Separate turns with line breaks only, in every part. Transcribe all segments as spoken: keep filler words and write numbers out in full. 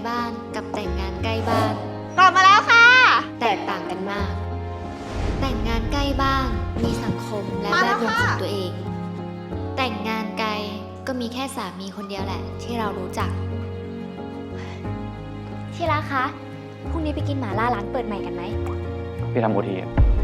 บ้านกับแต่งงานใกล้บ้าน
กลับมาแล้วค่ะ
แตกต่างกันมาก แต่งงานใกล้บ้านมีสังคมและแวดวงของตัวเอง แต่งงานไกลก็มีแค่สามีคนเดียวแหละที่เรารู้จัก
ที่รักคะ พรุ่งนี้ไปกินหม่าล่าร้านเปิดใหม่กันไหม
พี่ทำโอที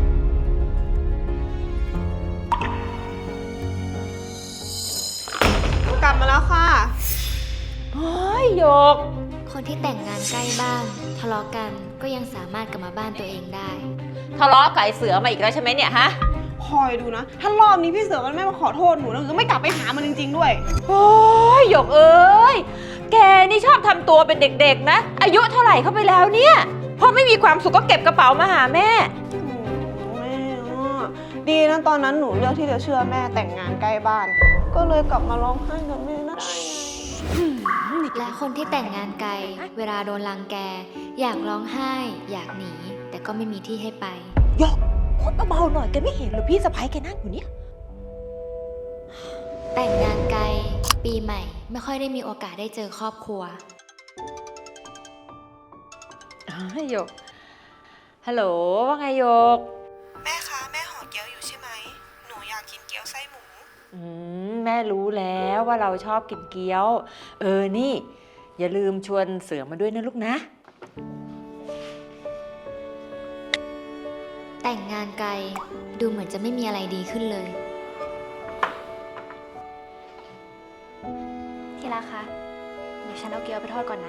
กลับมาแล้วค่ะ
เฮ้ยโยก
คนที่แต่งงานใกล้บ้านทะเลาะกันก็ยังสามารถกลับมาบ้านตัวเองได้
ทะเลาะกับไอ้เสือมาอีกแล้วใช่ไหมเนี่ยฮะ
คอยดูนะ ถ้ารอบนี้พี่เสือมันไม่มาขอโทษหนูแล้วหนูก็ไม่กลับไปหามันจริงๆด้วย
โอ้ยโยกเอ้ย แกนี่ชอบทำตัวเป็นเด็กๆนะ อายุเท่าไหร่เข้าไปแล้วเนี่ยพอไม่มีความสุขก็เก็บกระเป๋ามาหาแม่
โอ้แม่อะดีนะตอนนั้นหนูเลือกที่จะเชื่อแม่แต่งงานใกล้บ้าน ก็เลยกลับมาร้องไห้กับแม่ได้ไง
และคนที่แต่งงานไกล เวลาโดนรังแก อยากร้องไห้ อยากหนี แต่ก็ไม่มีที่ให้ไป
โยกพูดเบาๆหน่อยแกไม่เห็นหรือพี่สะพ้ายแกนั่งอยู่เนี่ย
แต่งงานไกล ปีใหม่ ไม่ค่อยได้มีโอกาสได้เจอครอบครัว
โยก ฮัลโหลว่าไงโยก
แม่คะแม่ห่อเกี๊ยวอยู่ใช่ไหมหนูอยากกินเกี๊ยวไส้หมู
อืมแม่รู้แล้วว่าเราชอบกินเกี๊ยว เออนี่ อย่าลืมชวนเสือมาด้วยนะลูกนะ
แต่งงานไกล ดูเหมือนจะไม่มีอะไรดีขึ้นเลย
ที่รักคะ เดี๋ยวฉันเอาเกี๊ยวไปทอดก่อนนะ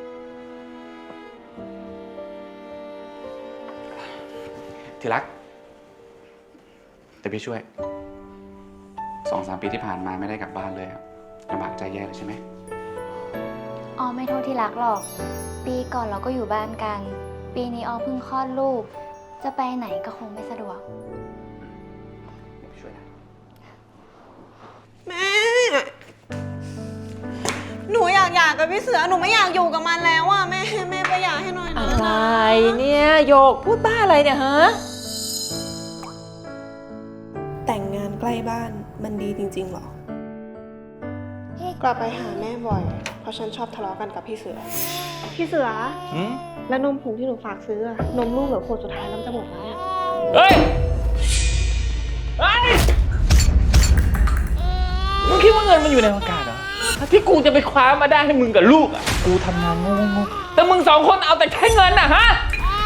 ที่รัก แต่พี่ช่วย สองสามปีที่ผ่านมาไม่ได้กลับบ้านเลยอะลำบากใจแย่เลยใช่ไหม
ออมไม่โทษที่รักหรอก ปีก่อนเราก็อยู่บ้านกัน ปีนี้ออมเพิ่งคลอดลูก จะไปไหนก็คงไม่สะดวก
เดี๋ยวพี่ช่วยนะ
แม่ หนูอยากหย่ากับพี่เสือหนูไม่อยากอยู่กับมันแล้วอ่ะแม่แม่ไปหย่าให้หน่อยนะ
อะไรเนี่ยโยกพูดบ้าอะไรเนี่ยฮะ
แต่งงานใกล้บ้านมันดีจริงๆหรอ กลับไปหาแม่บ่อย เพราะฉันชอบทะเลาะกันกับพี่เสือ พี่เสือ
อืม
แล้วนมผงที่หนูฝากซื้ออะนมลูกเหลือขวดสุดท้ายแล้วมันจะหมดแล้วเนี่ย
เฮ้ยเฮ้ยมึงคิดว่าเงินมันอยู่ในอากาศเหรอที่กูจะไปคว้ามาได้ให้มึงกับลูกอ่ะ กูทำงานงงๆแต่มึงสองคนเอาแต่แค่เงินอ่ะฮะ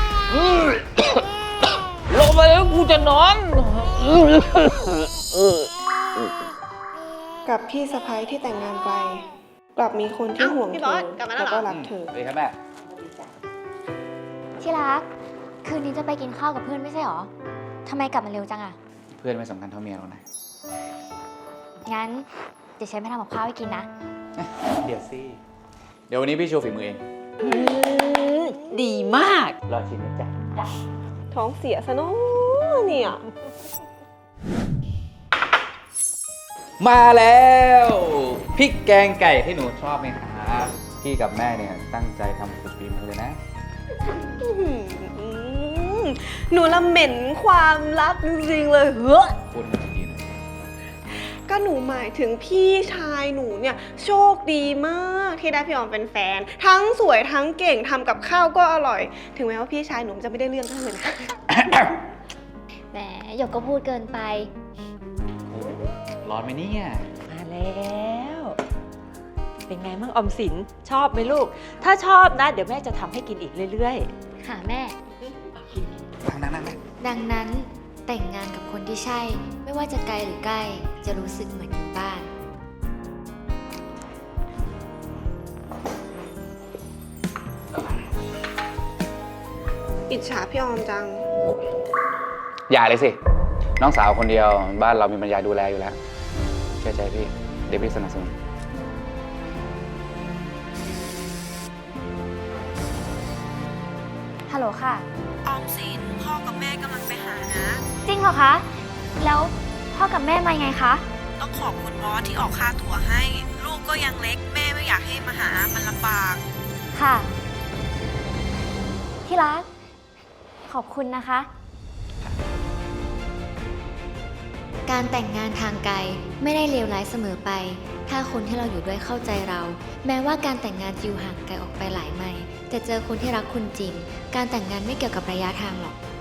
ลงไปแล้วกูจะนอน
กับพี่สะพ้ยที่แต่งงานไกล กลับมีคนที่ห่วงเธอแล้วก็รักเธอ
เลยครับแม่
ที่รัก คืนนี้จะไปกินข้าวกับเพื่อนไม่ใช่หรอ ทำไมกลับมาเร็วจังอะ
เพื่อนไม่สำคัญเท่าเมียหรอกนะ
งั้น เดี๋ยวฉันไปทำกับข้าวให้กินนะ
เดี๋ยวสิ เดี๋ยววันนี้พี่โชว์ฝีมือเอง
อืมดีมาก
รอชิมนะจ๊ะ
ท้องเสียซะเนาะเนี่ย
มาแล้วพริกแกงไก่ที่หนูชอบไหมครับพี่กับแม่เนี่ยตั้งใจทำสุดฝีมือเลยนะ
อื้อหือหนูละเหม็นความลับจริงๆเลยเฮ้ย
คุณดีหน่อย
ก็หนูหมายถึงพี่ชายหนูเนี่ยโชคดีมากที่ได้พี่ออมเป็นแฟน ทั้งสวยทั้งเก่งทำกับข้าวก็อร่อย ถึงแม้ว่าพี่ชายหนูจะไม่ได้เรื่องเท่าเลยนะ
แหมหยกก็พูดเกินไป
ร้อนไหมเนี่ย
มาแล้ว เป็นไงมั่งออมสินชอบไหมลูก ถ้าชอบนะ เดี๋ยวแม่จะทำให้กินอีกเรื่อย
ค่ะแม่
นั่งนั่งนั่ง
ดังนั้นแต่งงานกับคนที่ใช่ ไม่ว่าจะไกลหรือใกล้ จะรู้สึกเหมือนอยู่บ้าน
อิจฉาพี่ออมจัง
อย่าเลยสิ น้องสาวคนเดียวบ้านเรามีปัญญาดูแลอยู่แล้วเชื่อใจพี่ เดี๋ยวพี่สนับสนุน
ฮัลโหลค่ะ
ออมสินพ่อกับแม่กำลังไปหานะ
จริงเหรอคะ แล้วพ่อกับแม่มายังไงคะ
ต้องขอบคุณบอสที่ออกค่าตั๋วให้ ลูกก็ยังเล็กแม่ไม่อยากให้มาหามันลำบาก
ค่ะ ที่รัก ขอบคุณนะคะ
การแต่งงานทางไกลไม่ได้เลวร้ายเสมอไป ถ้าคนที่เราอยู่ด้วยเข้าใจเรา แม้ว่าการแต่งงานจะอยู่ห่างไกลออกไปหลายไมล์จะเจอคนที่รักคุณจริง การแต่งงานไม่เกี่ยวกับระยะทางหรอก